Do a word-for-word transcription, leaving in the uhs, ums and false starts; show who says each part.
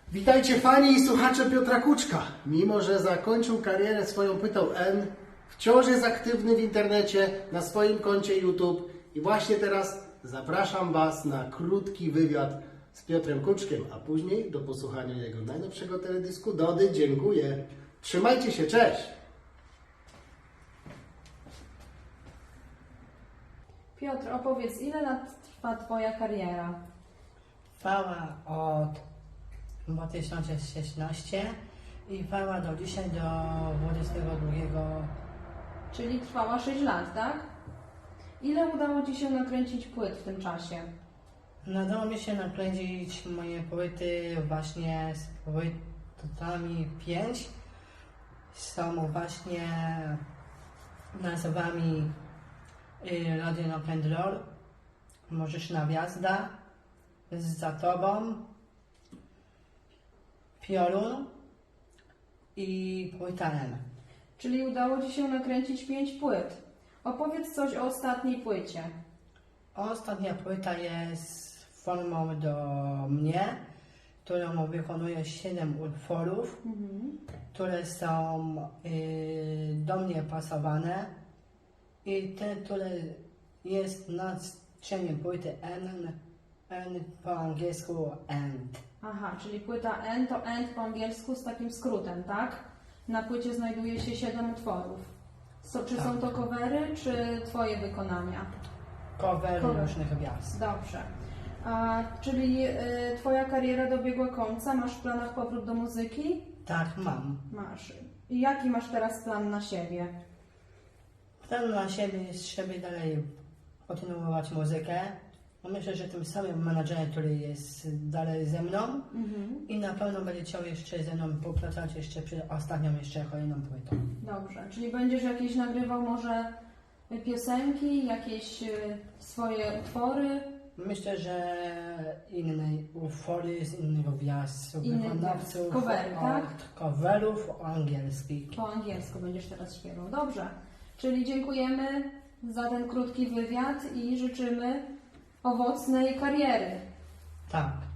Speaker 1: Witajcie fani i słuchacze Piotra Kuczka. Mimo że zakończył karierę swoją Pytał N, wciąż jest aktywny w internecie, na swoim koncie YouTube i właśnie teraz zapraszam Was na krótki wywiad z Piotrem Kuczkiem, a później do posłuchania jego najnowszego teledysku Dody. Dziękuję. Trzymajcie się, cześć!
Speaker 2: Piotr, opowiedz, ile lat trwa Twoja kariera?
Speaker 3: Trwała od dwa tysiące szesnastego i trwała do dzisiaj, do dwudziestego drugiego.
Speaker 2: Czyli trwała sześć lat, tak? Ile udało Ci się nakręcić płyt w tym czasie?
Speaker 3: Udało mi się nakręcić moje płyty właśnie z płytami pięć. Są właśnie nazwami y, Radio Rock and Roll, Możesz na Gwiazda, Za Tobą, Piorun i Płyta N.
Speaker 2: Czyli udało Ci się nakręcić pięć płyt. Opowiedz coś o ostatniej płycie.
Speaker 3: Ostatnia płyta jest formą do mnie, którą wykonuję siedem utworów,
Speaker 2: Mhm.
Speaker 3: które są y, do mnie pasowane i ten, który jest na scenie płyty N, N po angielsku End.
Speaker 2: Aha, czyli płyta N to End po angielsku z takim skrótem, tak? Na płycie znajduje się siedem utworów. So, czy
Speaker 3: Tak.
Speaker 2: są to covery, czy Twoje wykonania?
Speaker 3: Cover
Speaker 2: Cover.
Speaker 3: różnych gwiazd.
Speaker 2: Dobrze. A, czyli y, Twoja kariera dobiegła końca? Masz w planach powrót do muzyki?
Speaker 3: Tak, mam.
Speaker 2: Masz. I jaki masz teraz plan na siebie?
Speaker 3: Plan na siebie jest, żeby dalej kontynuować muzykę. Myślę, że tym samym menadżerem, który jest dalej ze mną
Speaker 2: Mhm.
Speaker 3: i na pewno będzie chciał jeszcze ze mną popracować jeszcze przy ostatnią, jeszcze kolejną płytą.
Speaker 2: Dobrze. Czyli będziesz jakieś nagrywał może piosenki, jakieś y, swoje utwory?
Speaker 3: Myślę, że inne utwory z innych gwiazd,
Speaker 2: Innych
Speaker 3: wykonawców,
Speaker 2: gwiazd. Covery, tak?
Speaker 3: od coverów angielskich.
Speaker 2: Po angielsku będziesz teraz śpiewał. Dobrze. Czyli dziękujemy za ten krótki wywiad i życzymy owocnej kariery.
Speaker 3: Tak.